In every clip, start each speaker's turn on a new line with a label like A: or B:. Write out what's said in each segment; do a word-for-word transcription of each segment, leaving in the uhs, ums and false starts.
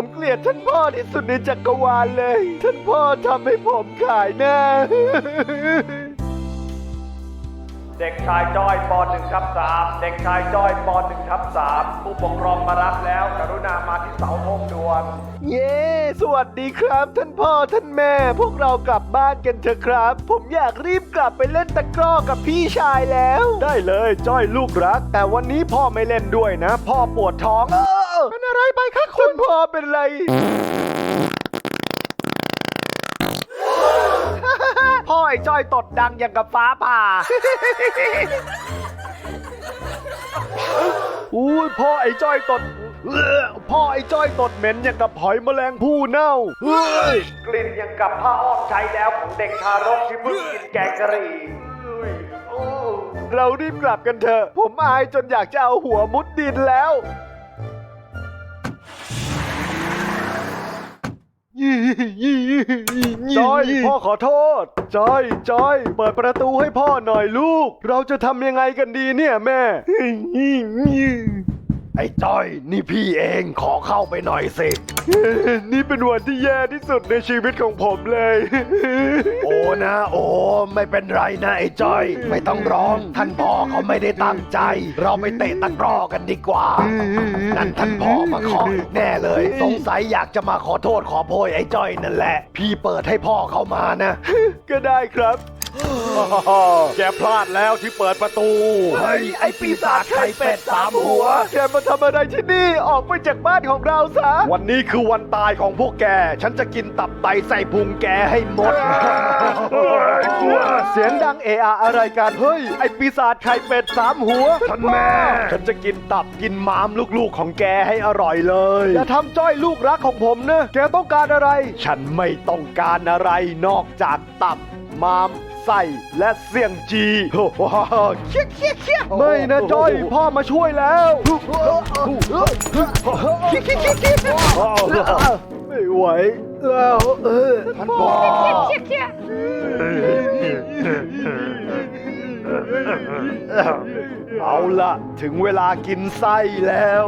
A: เกลียดท่านพ่อที่สุดในจักรวาลเลยท่านพ่อทำให้ผมขายหน้า
B: เด็กชายจ้อยป .หนึ่ง ทับ สาม เด็กชายจ้อยป .หนึ่ง ทับ สาม ผู้ปกครองมารับแล้วกรุณามาที่เสาธงด่วน
A: เย้ สวัสดีครับท่านพ่อท่านแม่ พวกเรากลับบ้านกันเถอะครับ ผมอยากรีบกลับไปเล่นตะกร้อกับพี่ชายแล้ว ได้เลยจ้อยลูกรัก แต่วันนี้พ่อไม่เล่นด้วยนะ พ่อปวดท้อง เออเป็นอะไรไปคะคุณพ่อเป็นไร พ่อไอ้จ้อยตดดังอย่างกับฟ้าผ่า อุ้ยพ่อไอ้จ้อยตดเอ้อพ่อไอ้จ้อยตดเหม็นอย่างกับหอยแมลงภู่เน่าเฮ้ย
B: กลิ่นยังกับผ้าอ้อมใช้แล้วของเด็กทารกที่เพิ่งกินแกงกะหรี่
A: โอ้เรารีบกลับกันเถอะ ผมอายจนอยากจะเอาหัวมุดดินแล้วจอยพ่อขอโทษจอยจอยเปิดประตูให้พ่อหน่อยลูก เราจะทำยังไงกันดีเนี่ยแม่ ไอ้จ้อยนี่พี่เองขอเข้าไปหน่อยสิ นี่เป็นวันที่แย่ที่สุดในชีวิตของผมเลย โอ้นะโอ้ไม่เป็นไรนะไอ้จ้อยไม่ต้องร้องท่านพ่อเขาไม่ได้ตั้งใจ เราไปเตะตะกร้อกันดีกว่า นั่นท่านพ่อมาขออีกแน่เลย สงสัยอยากจะมาขอโทษขอโพยไอ้จ้อยนั่นแหละ พี่เปิดให้พ่อเขามานะ ก็ได้ครับ แกพลาดแล้วที่เปิดประตู เฮ้ย ไอปีศาจไข่เป็ดสามหัว แกมาทำอะไรที่นี่ ออกไปจากบ้านของเราซะ วันนี้คือวันตายของพวกแก ฉันจะกินตับไตใส่พุงแกให้หมด เสียงดังเอะอะอะไรกัน เฮ้ย ไอปีศาจไข่เป็ดสามหัว ท่านแม่ ฉันจะกินตับกินม้ามลูกๆของแกให้อร่อยเลย อย่าทำจ้อยลูกรักของผมนะ แกต้องการอะไร ฉันไม่ต้องการอะไรนอกจากตับม้ามไส้และเสี่ยงจีโอ้โหเคี้ยเคี้ยเคี้ยไม่นะจอยพ่อมาช่วยแล้วไม่ไหวแล้วเออท่านพ่อเอาล่ะถึงเวลากินไส้แล้ว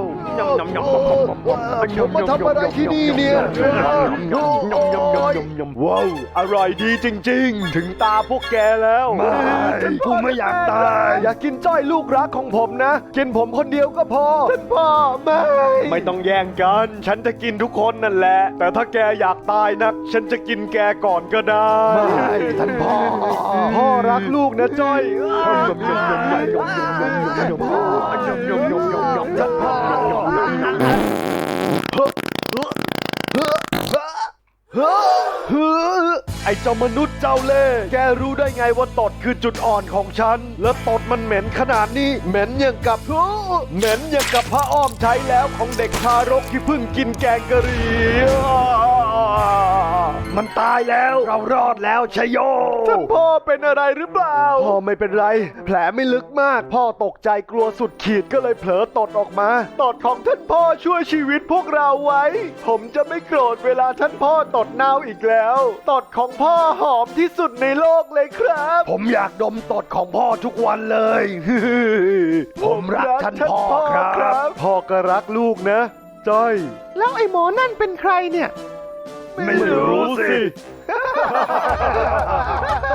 A: ผมมาทำอะไรที่นี่เนี่ยว้าวอร่อยดีจริงๆถึงตาพวกแกแล้วไม่กูไม่อยากตายอยากกินจ้อยลูกรักของผมนะกินผมคนเดียวก็พอท่านพ่อไม่ไม่ต้องแย่งกันฉันจะกินทุกคนนั่นแหละแต่ถ้าแกอยากตายนักฉันจะกินแกก่อนก็ได้ไม่ท่านพ่อพ่อรักลูกนะจ้อยไอ้เจ้ามนุษย์เจ้าเล่ห์แกรู้ได้ไงว่าตดคือจุดอ่อนของฉันแล้วตดมันเหม็นขนาดนี้เหม็นอย่างกับเหม็นอย่างกับผ้าอ้อมใช้แล้วของเด็กทารกที่เพิ่งกินแกงกะหรี่มันตายแล้วเรารอดแล้วชโยท่านพ่อเป็นอะไรหรือเปล่าพ่อไม่เป็นไรแผลไม่ลึกมากพ่อตกใจกลัวสุดขีดก็เลยเผลอตดออกมาตดของท่านพ่อช่วยชีวิตพวกเราไว้ผมจะไม่โกรธเวลาท่านพ่อตดเน่าอีกแล้วตดของพ่อหอมที่สุดในโลกเลยครับผมอยากดมตดของพ่อทุกวันเลย ผมรักท่านพ่อครับพ่อก็รักลูกนะจ้อยแล้วไอ้หมอนั่นเป็นใครเนี่ยไม่รู้สิ